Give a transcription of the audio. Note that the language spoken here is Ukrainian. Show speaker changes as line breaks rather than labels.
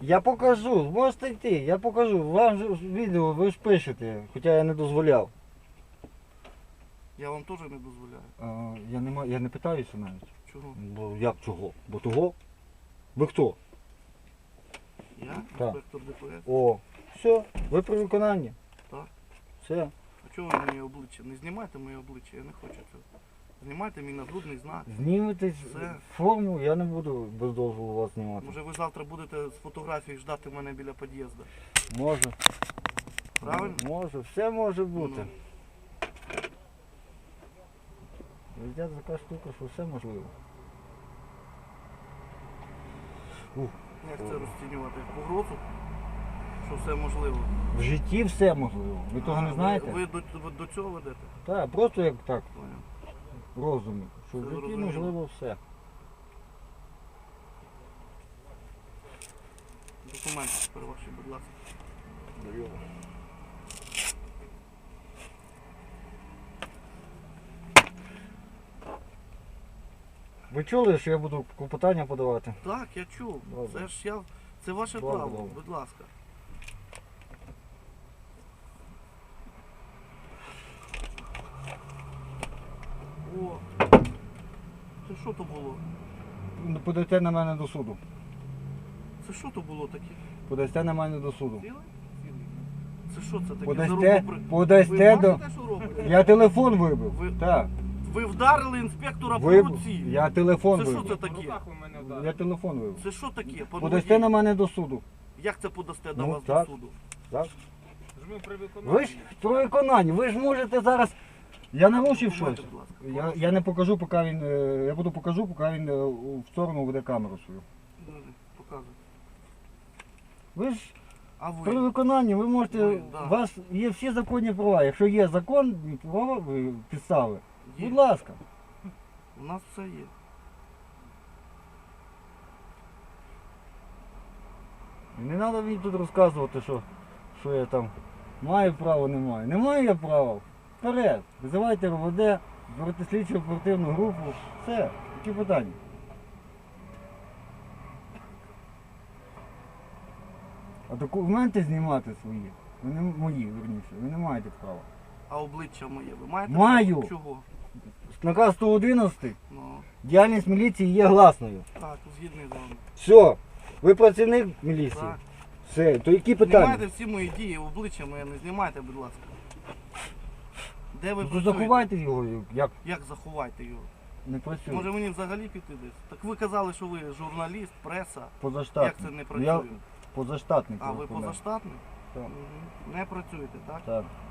Я покажу, можете йти, я покажу. Вам же відео ви ж пишете, хоча я не дозволяв.
Я вам теж не дозволяю.
Я не питаюся навіть.
Чого?
Бо як чого? Бо того? Ви хто?
Я?
Так.
Інспектор ДПС.
О, все, ви при виконанні.
Так.
Все.
А чого ви моє обличчя? Не знімайте моє обличчя, я не хочу цього. Знімайте мій нагрудний знак.
Знімете
Все.
форму, я не буду без дозволу вас знімати.
Може ви завтра будете з фотографії ждати мене біля під'їзду.
Може.
Правильно?
Може, все може бути.
Ну.
Життя така штука, що все можливо.
Як це розцінювати? Погрозу? Що все можливо?
В житті все можливо. Ви того не знаєте?
Ви до цього ведете?
Так, просто як так,
Понял.
в розумі. Що в
Все
житті
зрозуміло.
можливо все.
Документи тепер ваші, будь ласка.
Ви чули, що я буду клопотання подавати?
Так, я чув.
Добре.
Це ваше
Добре,
право,
добре.
будь ласка. О, це що то було?
Подасте на мене до суду.
Це що то було таке?
Подасте на мене до суду.
Ціле? Це що це таке?
Подасте,
Ви
подасте до...
бачите, що робите?
Я телефон вибив.
Ви-
Так.
Ви вдарили інспектора по
Вибив.
руці.
Я телефон
Це що це
вибив.
таке?
Я телефон вибив.
Це що таке? Пан
Подасте
водій?
на мене до суду.
Як це подасте до
Ну,
вас
так.
до суду?
Так?
Жми при виконанні.
Ви ж при виконанні, ви ж можете зараз... Я нарушив
Документи,
щось.
будь ласка.
Я не покажу, поки він... Я буду покажу, поки він в сторону веде камеру свою.
Показуй.
Ви ж
А
при
ви?
виконанні ви можете...
Ви, да.
У вас є всі законні права. Якщо є закон, права підстави,
Є.
будь ласка.
У нас все є.
І не треба мені тут розказувати, що я там маю право, не маю. Не маю я права. Вперед. Визивайте РОВД, берете слідчу оперативну групу. Все. Які питання? А документи знімати свої, ви не мої, верніше, ви не маєте права.
А обличчя моє ви маєте?
Маю.
право? Чого?
Наказ 111,
Ну,
діяльність міліції є гласною.
так, згідний з вами.
Все, ви працівник міліції.
Так.
Все, то які питання?
Знімайте всі мої дії, обличчя моє не знімайте, будь ласка. Де ви
Ну,
працюєте?
заховайте його, як
Як заховайте його?
не працює.
Може мені взагалі піти десь? Так ви казали, що ви журналіст, преса.
Позаштатний.
Як це не працює?
Я позаштатний.
А ви
кореспондент.
позаштатний?
Так.
Мгм. Не працюєте, так?
Так.